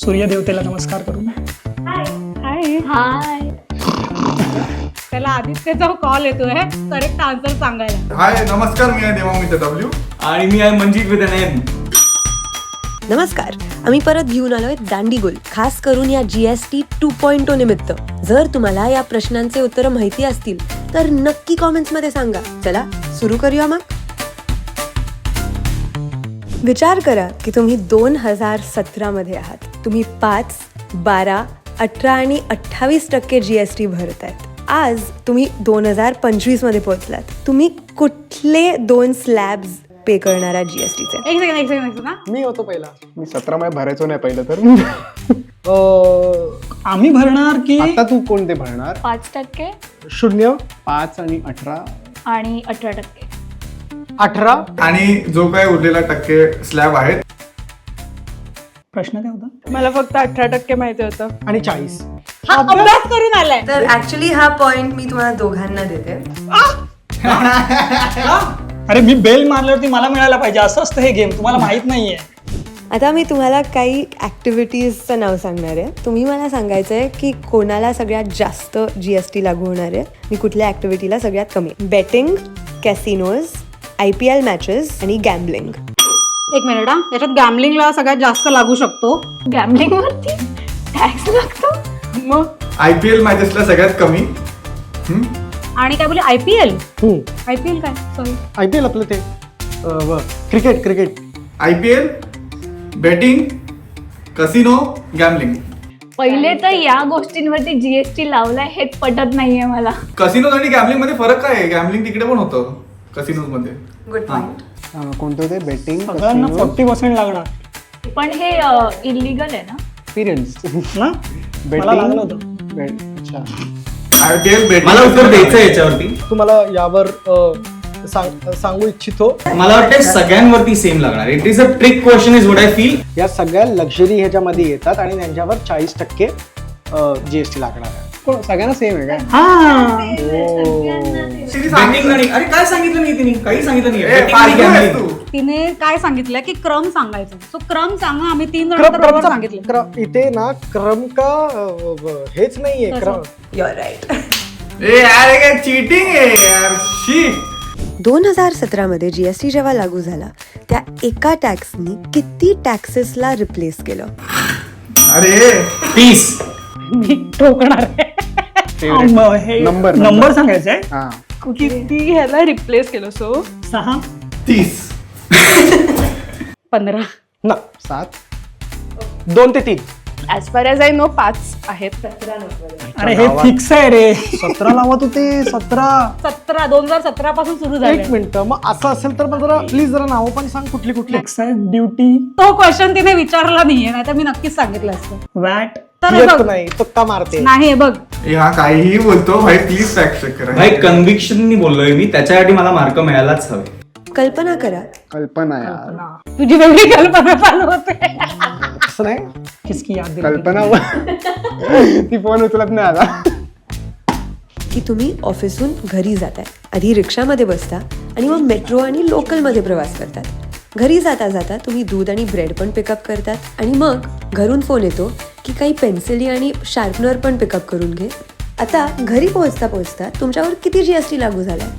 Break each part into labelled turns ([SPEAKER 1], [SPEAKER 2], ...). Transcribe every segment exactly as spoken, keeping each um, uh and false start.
[SPEAKER 1] सूर्यदेवतेला नमस्कार करू.
[SPEAKER 2] Hi hi. त्याला आदित्यचा कॉल येतोय करेक्ट आन्सर सांगायला.
[SPEAKER 3] हाय नमस्कार, मी आहे देवामित्र डब्ल्यू
[SPEAKER 4] आणि मी आहे मंजित विथ एन एम.
[SPEAKER 5] नमस्कार, आम्ही परत घेऊन आलोय दांडीगुल, खास करून या जीएसटी टू पॉइंट ओ निमित्त. जर तुम्हाला या प्रश्नांचे उत्तर माहिती असतील तर नक्की कॉमेंट्स मध्ये सांगा. चला सुरू करूया मग. विचार करा की तुम्ही दोन हजार सतरा मध्ये आहात. तुम्ही पाच, बारा, अठरा आणि अठ्ठावीस टक्के जीएसटी भरतायत. आज तुम्ही दोन हजार पंचवीस मध्ये पोहोचलात. तुम्ही कुठले दोन स्लॅब्स पे करणारा जीएसटीचे?
[SPEAKER 2] एक सेकंड एक सेकंड ना
[SPEAKER 6] मी होतो पहिला. मी सतरा मध्ये भरायचो नाही पहिलं तर.
[SPEAKER 1] आम्ही भरणार की
[SPEAKER 6] आता तू कोणते भरणार?
[SPEAKER 7] पाच टक्के
[SPEAKER 6] शून्य, पाच आणि अठरा.
[SPEAKER 7] आणि अठरा टक्के.
[SPEAKER 6] अठरा
[SPEAKER 3] आणि जो काही उरलेला टक्के स्लॅब आहेत.
[SPEAKER 1] प्रश्न काय होता?
[SPEAKER 2] मला फक्त अठरा टक्के माहिती होतं.
[SPEAKER 6] आणि चाळीस.
[SPEAKER 2] हा अभ्यास करून आलाय.
[SPEAKER 5] तर ऍक्च्युली हा पॉइंट मी तुम्हाला दोघांना देते.
[SPEAKER 1] अरे मी बेल मारल्यावरती मला मिळायला पाहिजे, असं असतं हे गेम. तुम्हाला माहित नाहीये.
[SPEAKER 5] आता मी तुम्हाला काही ॲक्टिव्हिटीजचं नाव सांगणार आहे. तुम्ही मला सांगायचं आहे की कोणाला सगळ्यात जास्त जीएसटी लागू होणार आहे आणि कुठल्या ॲक्टिव्हिटीला सगळ्यात कमी. Betting, casinos, I P L matches आणि गॅम्बलिंग.
[SPEAKER 2] एक मिनिट हा, याच्यात गॅमलिंगला सगळ्यात जास्त लागू शकतो.
[SPEAKER 7] गॅमलिंग वरती टॅक्स लागतो.
[SPEAKER 2] मग
[SPEAKER 3] आयपीएल मॅचेसला सगळ्यात कमी. हम्म?
[SPEAKER 2] आणि काय बोलले आयपीएल? आयपीएल काय सॉरी
[SPEAKER 6] आय पी एल आपलं ते cricket cricket
[SPEAKER 3] IPL, betting, casino, gambling.
[SPEAKER 7] पहिले तर या गोष्टींवरती जीएसटी लावलाय हेच पटत नाहीये मला.
[SPEAKER 3] कसिनो आणि गॅमलिंग मध्ये फरक काय आहे? गॅमलिंग तिकडे पण होतं कसिनोज मध्ये.
[SPEAKER 5] Good point.
[SPEAKER 6] कोणते होते? बेटिंग,
[SPEAKER 1] सगळ्यांना फोर्टी पर्सेंट लागणार
[SPEAKER 7] पण हे इलिगल आहे ना?
[SPEAKER 6] एक्सपिरियन्स
[SPEAKER 1] ना. मला लागलं होतं.
[SPEAKER 6] अच्छा.
[SPEAKER 3] IPL, betting.
[SPEAKER 4] मला उत्तर द्यायचं आहे याच्यावरती.
[SPEAKER 6] तुम्हाला यावर अ, सांग- सांगू इच्छितो.
[SPEAKER 4] मला वाटतं सगळ्यांवरती सेम लागणार. It is a trick question is what I feel.
[SPEAKER 6] या सगळ्या लक्झरी ह्याच्यामध्ये येतात आणि त्यांच्यावर चाळीस टक्के जीएसटी लागणार आहे. कोण सगळ्यांना सेम आहे काय?
[SPEAKER 4] बेटिंग आणि अरे काय सांगितलं नाही तिने? काही सांगितलं नाही.
[SPEAKER 3] ए,
[SPEAKER 4] Betting आणि
[SPEAKER 3] फालतू आहेस
[SPEAKER 4] gambling.
[SPEAKER 3] तू.
[SPEAKER 2] तिने काय सांगितलं की क्रम सांगायचं. सो क्रम सांगा. आम्ही तीन जण
[SPEAKER 6] क्रम-
[SPEAKER 2] तर बरोबर
[SPEAKER 6] क्रमचा-
[SPEAKER 2] सांगितलं.
[SPEAKER 6] क्रम- इथे ना क्रम का अ, ब- हेच नाहीये. क्रम
[SPEAKER 5] युअर राईट.
[SPEAKER 3] ए यार, हे काय चीटिंग आहे यार. शी.
[SPEAKER 5] दोन हजार सतरामध्ये जीएसटी जेव्हा लागू झाला त्या एका टॅक्सनी किती टॅक्सेसला रिप्लेस केलं?
[SPEAKER 3] अरे
[SPEAKER 4] तीस.
[SPEAKER 2] मी ठोकणार आहे.
[SPEAKER 1] मग हे
[SPEAKER 6] नंबर-
[SPEAKER 1] नंबर सांगायचा आहे.
[SPEAKER 6] हा.
[SPEAKER 2] किती ह्याला रिप्लेस केलं? सो
[SPEAKER 1] सहा.
[SPEAKER 3] तीस.
[SPEAKER 2] पंधरा.
[SPEAKER 6] ना सात, दोन ते तीन.
[SPEAKER 2] As far as I know पाच आहेत.
[SPEAKER 1] अरे हे फिक्स आहे रे.
[SPEAKER 6] सतरा लावत होते. सतरा.
[SPEAKER 2] सतरा दोन हजार सतरा पासून सुरू झाले.
[SPEAKER 6] एक मिनिट, मग असं असेल तर मग जरा प्लीज जरा नावं पण सांग कुठली कुठली.
[SPEAKER 1] एक्साइज ड्युटी,
[SPEAKER 2] तो क्वेश्चन तिने विचारला नाहीये, नाही तर मी नक्कीच सांगितलं असतं.
[SPEAKER 1] वॅट.
[SPEAKER 2] तर हे
[SPEAKER 6] येत
[SPEAKER 2] बघ
[SPEAKER 6] नाही, तुक्का मारते.
[SPEAKER 2] नाही हे बघ
[SPEAKER 3] ए, हा काहीही बोलतो भाई, प्लीज फॅक्ट चेक करा.
[SPEAKER 4] भाई कन्व्हिक्शननी बोललोय मी, त्याच्यासाठी मला मार्क मिळायलाच हवे.
[SPEAKER 5] कल्पना करा,
[SPEAKER 6] कल्पना यार.
[SPEAKER 2] तुझी वेगळी कल्पना चालू होते.
[SPEAKER 6] असं नाही.
[SPEAKER 1] किसकी याद दिली?
[SPEAKER 6] कल्पना ती फोन उचलत नाही आता.
[SPEAKER 5] की तुम्ही ऑफिसहून घरी जाताय. आधी रिक्षामध्ये बसता आणि मग मेट्रो आणि लोकलमध्ये प्रवास करतात. घरी जाता जाता तुम्ही दूध आणि ब्रेड पण पिकअप करतात आणि मग घरून फोन येतो की काही पेन्सिली आणि शार्पनर पण पिकअप करून घे. आता घरी पोहोचता पोहोचता तुमच्यावर किती जीएसटी लागू झालाय?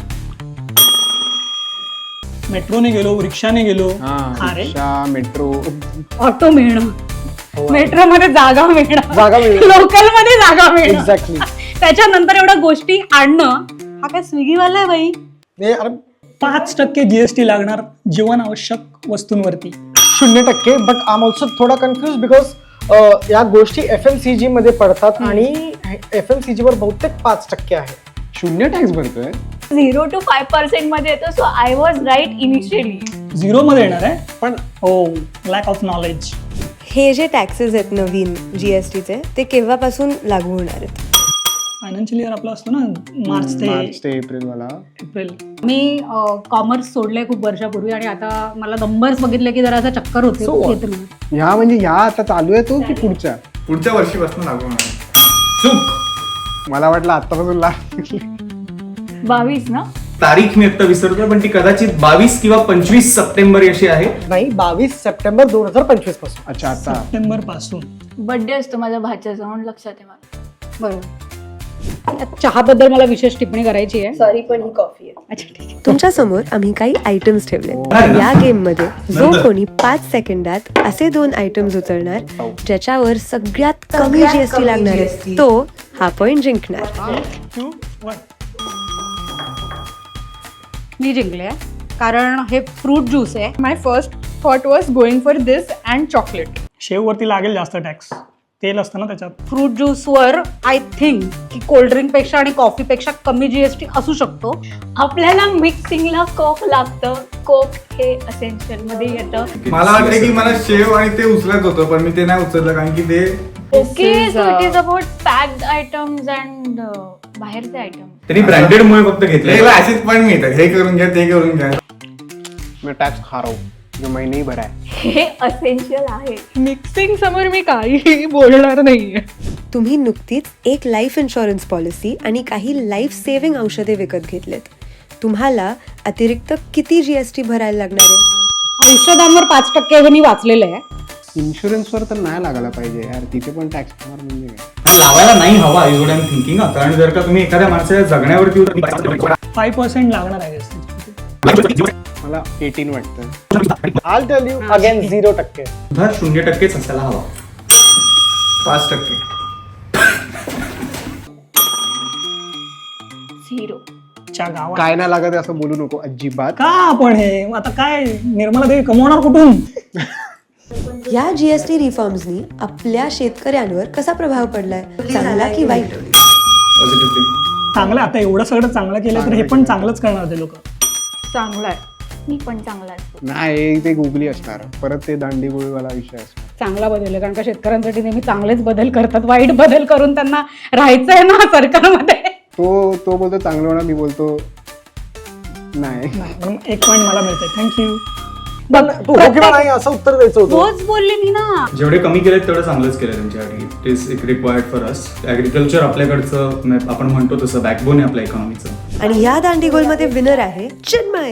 [SPEAKER 1] मेट्रोने गेलो, रिक्षाने गेलो. अरे
[SPEAKER 6] मेट्रो,
[SPEAKER 2] ऑटो मिळणं, मेट्रो मध्ये जागा मिळणं,
[SPEAKER 6] जागा मिळणं.
[SPEAKER 2] लोकल मध्ये जागा मिळणं,
[SPEAKER 6] एक्झॅक्टली.
[SPEAKER 2] त्याच्यानंतर एवढ्या गोष्टी आणणं. हा काय स्विगीवाला आहे बाई.
[SPEAKER 6] अरे
[SPEAKER 1] पाच टक्के जीएसटी लागणार जीवन आवश्यक वस्तूंवरती.
[SPEAKER 6] शून्य टक्के. बट आय एम ऑल्सो थोडा कन्फ्युज बिकॉज या गोष्टी एफ एम सी जी मध्ये पडतात आणि एफ एम सी जी वर बहुतेक पाच टक्के आहे. शून्य टॅक्स भरतोय.
[SPEAKER 7] झिरो टू फाय पर्सेंट मध्ये येतो. So I was right initially.
[SPEAKER 1] Zero मध्ये येणार आहे.
[SPEAKER 6] पण
[SPEAKER 1] हो, लॅक ऑफ नॉलेज.
[SPEAKER 5] हे जे टॅक्सेस आहेत नवीन जीएसटीचे ते केव्हापासून लागू होणार आहेत?
[SPEAKER 1] फायनान्शियल इयर आपलं असतो ना, मार्च ते
[SPEAKER 6] मार्च ते एप्रिल मला.
[SPEAKER 1] एप्रिल.
[SPEAKER 2] मी कॉमर्स सोडलंय खूप वर्षापूर्वी आणि आता मला नंबर्स बघितले की जरा असं चक्कर होते.
[SPEAKER 6] So what?
[SPEAKER 2] येत नाही.
[SPEAKER 6] ह्या म्हणजे ह्या आता चालू आहे तो की पुढच्या?
[SPEAKER 3] पुढच्या वर्षीपासून लागू होणार. चूक.
[SPEAKER 6] मला वाटलं आतापासून लाग.
[SPEAKER 7] बावीस ना?
[SPEAKER 4] तारीख मी आता विसरतोय, पण ती कदाचित बावीस किंवा पंचवीस सप्टेंबर अशी आहे.
[SPEAKER 6] नाही, बावीस सप्टेंबर दोन हजार पंचवीस पासून. अच्छा, आता
[SPEAKER 1] सप्टेंबर पासून
[SPEAKER 7] बर्थडे असतो माझ्या भाच्याचा म्हणून लक्षात आहे मला.
[SPEAKER 2] बरोबर. चहाबद्दल मला विशेष टिप्पणी करायची आहे.
[SPEAKER 5] सॉरी पण ही कॉफी आहे.
[SPEAKER 2] अच्छा ठीक आहे.
[SPEAKER 5] तुमच्या समोर आम्ही काही आयटम्स ठेवले. या गेम मध्ये जो कोणी पाच सेकंदात असे दोन आयटम्स उचलणार ज्याच्यावर सगळ्यात कमी जीएसटी लागणार आहे तो हा पॉइंट जिंकणार.
[SPEAKER 1] To one.
[SPEAKER 2] मी जिंकले कारण हे फ्रूट ज्यूस आहे.
[SPEAKER 8] My first thought was going for this and chocolate.
[SPEAKER 1] शेववरती लागेल जास्त टॅक्स. तेल असतं ना त्याच्यात.
[SPEAKER 2] फ्रूट ज्यूसवर आय थिंक की कोल्ड्रिंक पेक्षा आणि कॉफी पेक्षा कमी जीएसटी असू शकतो.
[SPEAKER 7] आपल्याला मिक्सिंगला कोक लागतं. कोक हे असेन्शियल मध्ये येतं.
[SPEAKER 3] मला वाटतं की मला शेव आणि ते उचलत होतं पण मी ते नाही उचललं कारण की ते
[SPEAKER 7] okay
[SPEAKER 8] is,
[SPEAKER 7] so it
[SPEAKER 8] uh,
[SPEAKER 7] is about packed items and बाहेरचे आयटम.
[SPEAKER 4] त्यांनी ब्रँडेड मुळे फक्त घेतलंय.
[SPEAKER 3] त्याला असेच पण मिळतात हे करून घ्या ते करून घ्या.
[SPEAKER 6] मैं टॅक्स खा रहा हूँ जो मैं नहीं भरा है.
[SPEAKER 7] हे असेन्शियल आहे.
[SPEAKER 8] मिक्सिंग समोर मी काहीही बोलणार नाहीये.
[SPEAKER 5] तुम्ही नुकतीच एक लाईफ इन्शुरन्स पॉलिसी आणि काही लाईफ सेव्हिंग औषधे विकत घेतलेत. तुम्हाला अतिरिक्त किती जीएसटी भरायला लागणार आहे?
[SPEAKER 2] औषधांवर पाच टक्के हे मी वाचलेलं आहे.
[SPEAKER 6] इन्शुरन्सवर तर नाही लागायला पाहिजे यार, तिथे पण टॅक्स होणार म्हणजे काय.
[SPEAKER 4] लावायला नाही हवा is what I am thinking. कारण जर का तुम्ही एखाद्या माणसाच्या जगण्यावरती
[SPEAKER 1] फाईव्ह पर्सेंट लागणार आहे.
[SPEAKER 6] मला एटीन वाटतं. I'll tell you again zero टक्के.
[SPEAKER 4] सुद्धा शून्य टक्केच असायला हवा.
[SPEAKER 3] पाच टक्के
[SPEAKER 7] झिरो.
[SPEAKER 1] च्या गावात
[SPEAKER 6] काय नाही लागत आहे असं बोलू नको अजिबात.
[SPEAKER 1] का आपण हे आता काय निर्मला देवी कमवणार कुठून?
[SPEAKER 5] या जीएसटी रिफॉर्म्सनी आपल्या शेतकऱ्यांवर कसा प्रभाव पडलाय, चांगला की वाईट?
[SPEAKER 4] पॉझिटिव्हली.
[SPEAKER 1] चांगलं आता एवढं सगळं चांगलं केलं तर हे पण चांगलंच करणार ते लोक.
[SPEAKER 8] चांगला आहे.
[SPEAKER 7] मी पण चांगला असतो.
[SPEAKER 6] नाही ते गुगली असणार परत ते दांडीगोळीवाला विषय असणार.
[SPEAKER 2] चांगला बदल आहे कारण का शेतकऱ्यांसाठी नेहमी चांगलेच बदल करतात. वाईट बदल करून त्यांना राहायचं आहे ना सरकारमध्ये.
[SPEAKER 6] तो तो बोलतो चांगलं होणार, मी बोलतो नाही.
[SPEAKER 1] म्हणून एक पॉईंट मला मिळते. थँक्यू.
[SPEAKER 6] तू हो किंवा नाही असं उत्तर द्यायचं होतं.
[SPEAKER 2] तोच बोलले मी ना.
[SPEAKER 4] जेवढे कमी केलेत तेवढं चांगलंच केलं त्यांच्यासाठी. इट इज एक रिक्वायर्ड फॉर अस. ॲग्रिकल्चर आपल्याकडचं म्हणजे आपण म्हणतो तसं बॅकबोन आहे आपल्या इकॉनॉमीचं.
[SPEAKER 5] आणि या दांडीगोलमध्ये विनर आहे चिन्मय.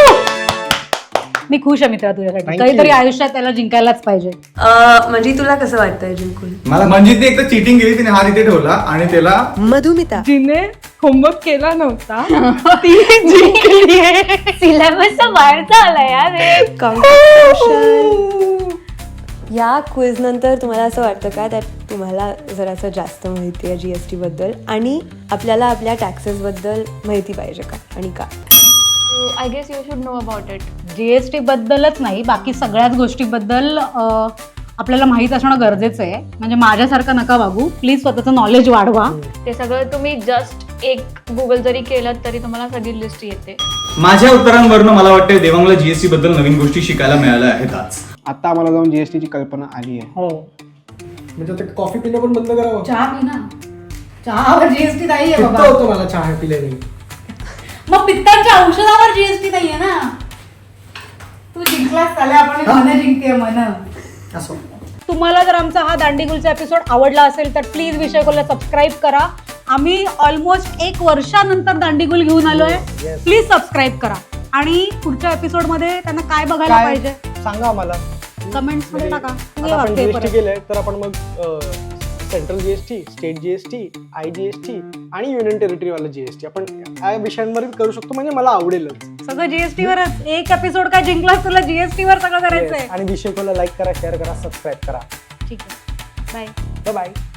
[SPEAKER 2] मी खुश आहे मित्रा तुझ्यासाठी.
[SPEAKER 6] Thank
[SPEAKER 2] काहीतरी
[SPEAKER 6] you.
[SPEAKER 2] आयुष्यात त्याला जिंकायलाच पाहिजे.
[SPEAKER 5] म्हणजे तुला कसं वाटतंय जिंकून?
[SPEAKER 3] मला म्हणजे ती एकदा चिटिंग केली तिने, हा तिथे ठेवला आणि त्याला
[SPEAKER 5] मधुमिता.
[SPEAKER 8] जिने होमवर्क केला नव्हता ती जिंकली आहे.
[SPEAKER 7] सिलेबसचा बाहेरचा आला यार हे.
[SPEAKER 5] Congratulations. या क्विज नंतर तुम्हाला असं वाटतं का त्यात तुम्हाला जरासं जास्त माहिती आहे जीएसटी बद्दल आणि आपल्याला आपल्या टॅक्सेस बद्दल माहिती पाहिजे का आणि का?
[SPEAKER 7] I guess you should know about it.
[SPEAKER 2] GST बद्दलच नाही बाकी सगळ्याच गोष्टीबद्दल अं, आपल्याला माहित असणं गरजेचं आहे. म्हणजे माझ्यासारखं नका वागू. प्लीज स्वतःचं नॉलेज वाढवा.
[SPEAKER 7] ते सगळं तुम्ही जस्ट एक गुगल जरी केलं तरी तुम्हाला सगळी लिस्ट येते.
[SPEAKER 4] माझ्या उत्तरांवरनं मला वाटतं देवांगला जीएसटी बद्दल नवीन गोष्टी शिकायला मिळाल्या आहेत आज.
[SPEAKER 6] आता आम्हाला जाऊन जीएसटी ची कल्पना आली आहे.
[SPEAKER 1] हो.
[SPEAKER 6] म्हणजे आता कॉफी पिणं पण बंद करावं.
[SPEAKER 2] चहा पी ना. चहावर जीएसटी नाहीये
[SPEAKER 6] पित्त होतं मला चहा पिल्याने.
[SPEAKER 2] मग पित्ताच्या औषधावर जीएसटी नाहीये ना. तू जिंकलास चालेल. आपण मन जिंकते मन.
[SPEAKER 6] असं
[SPEAKER 2] तुम्हाला जर आमचा हा दांडीगुलचा एपिसोड आवडला असेल तर प्लीज विषयकोला सबस्क्राईब करा. आम्ही ऑलमोस्ट एक वर्षानंतर दांडीगुल घेऊन आलोय. प्लीज सबस्क्राईब करा. आणि पुढच्या एपिसोड मध्ये त्यांना काय बघायला
[SPEAKER 6] काय
[SPEAKER 2] पाहिजे
[SPEAKER 6] सांगा आम्हाला.
[SPEAKER 2] कमेंट्स मध्ये टाका.
[SPEAKER 6] आता आपण जीएसटी केलंय तर आपण मग central GST, state GST, I GST आणि युनियन टेरिटरीवाला जीएसटी आपण या विषयांवर करू शकतो. म्हणजे मला आवडेलच.
[SPEAKER 2] सगळं जीएसटी वरच. एक एपिसोड काय जिंकलास तुला जीएसटी वर सगळं करायचंय.
[SPEAKER 6] आणि विषय कोला लाईक करा, शेअर करा, सबस्क्राईब करा.
[SPEAKER 2] ठीक आहे. बाय.
[SPEAKER 6] बाय.